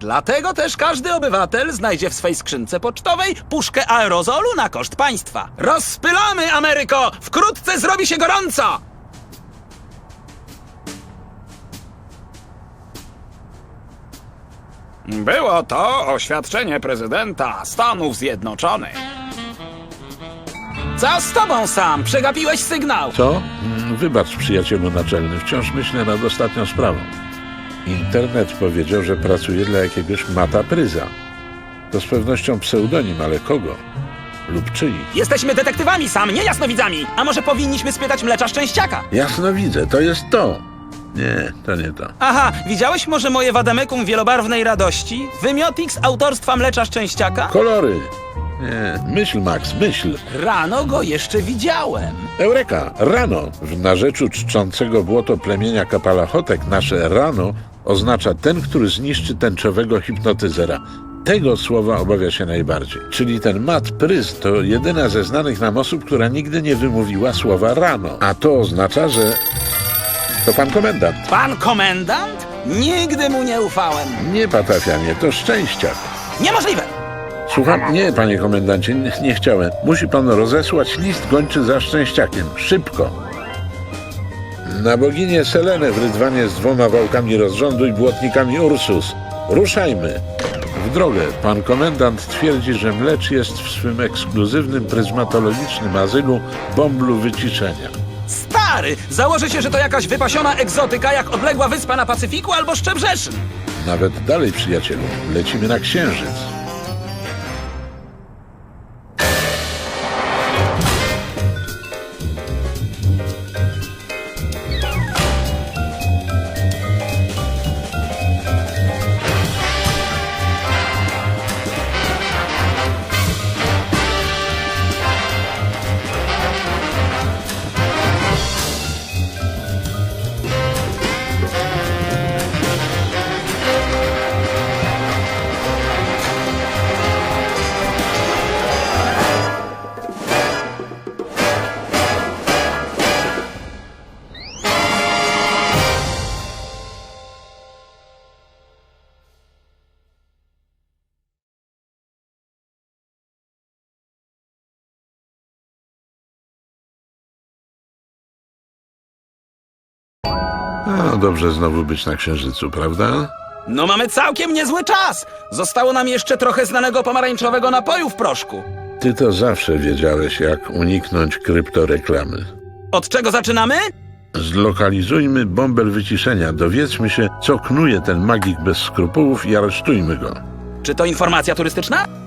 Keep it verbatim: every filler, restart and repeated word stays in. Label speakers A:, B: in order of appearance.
A: Dlatego też każdy obywatel znajdzie w swej skrzynce pocztowej puszkę aerozolu na koszt państwa. Rozpylamy, Ameryko! Wkrótce zrobi się gorąco! Było to oświadczenie prezydenta Stanów Zjednoczonych. Co z tobą, Sam? Przegapiłeś sygnał.
B: Co? Mm, Wybacz, przyjacielu naczelny, wciąż myślę nad ostatnią sprawą. Internet powiedział, że pracuje dla jakiegoś Mata Pryza. To z pewnością pseudonim, ale kogo? Lub czyich?
A: Jesteśmy detektywami, Sam, nie jasnowidzami. A może powinniśmy spytać Mlecza Szczęściaka?
B: Jasno widzę, to jest to. Nie, to nie to.
A: Aha, widziałeś może moje wademekum wielobarwnej radości? Wymiotix autorstwa Mlecza Szczęściaka?
B: Kolory! Nie, myśl, Max, myśl.
A: Rano go jeszcze widziałem.
B: Eureka! Rano! W narzeczu czczącego błoto plemienia Kapalachotek nasze rano oznacza ten, który zniszczy tęczowego hipnotyzera. Tego słowa obawia się najbardziej. Czyli ten Mat Pryz to jedyna ze znanych nam osób, która nigdy nie wymówiła słowa rano. A to oznacza, że... to pan komendant.
A: Pan komendant? Nigdy mu nie ufałem.
B: Nie, patafianie, to Szczęściak.
A: Niemożliwe!
B: Słucham? Nie, panie komendancie, nie, nie chciałem. Musi pan rozesłać list gończy za Szczęściakiem. Szybko. Na boginię Selenę w rydwanie z dwoma wałkami rozrządu i błotnikami Ursus. Ruszajmy. W drogę. Pan komendant twierdzi, że Mlecz jest w swym ekskluzywnym pryzmatologicznym azylu Bomblu Wyciszenia.
A: Stary! Założę się, że to jakaś wypasiona egzotyka jak odległa wyspa na Pacyfiku albo Szczebrzeszyn.
B: Nawet dalej, przyjacielu. Lecimy na Księżyc. No dobrze znowu być na Księżycu, prawda?
A: No mamy całkiem niezły czas. Zostało nam jeszcze trochę znanego pomarańczowego napoju w proszku.
B: Ty to zawsze wiedziałeś, jak uniknąć kryptoreklamy.
A: Od czego zaczynamy?
B: Zlokalizujmy bąbel wyciszenia, dowiedzmy się, co knuje ten magik bez skrupułów i aresztujmy go.
A: Czy to informacja turystyczna?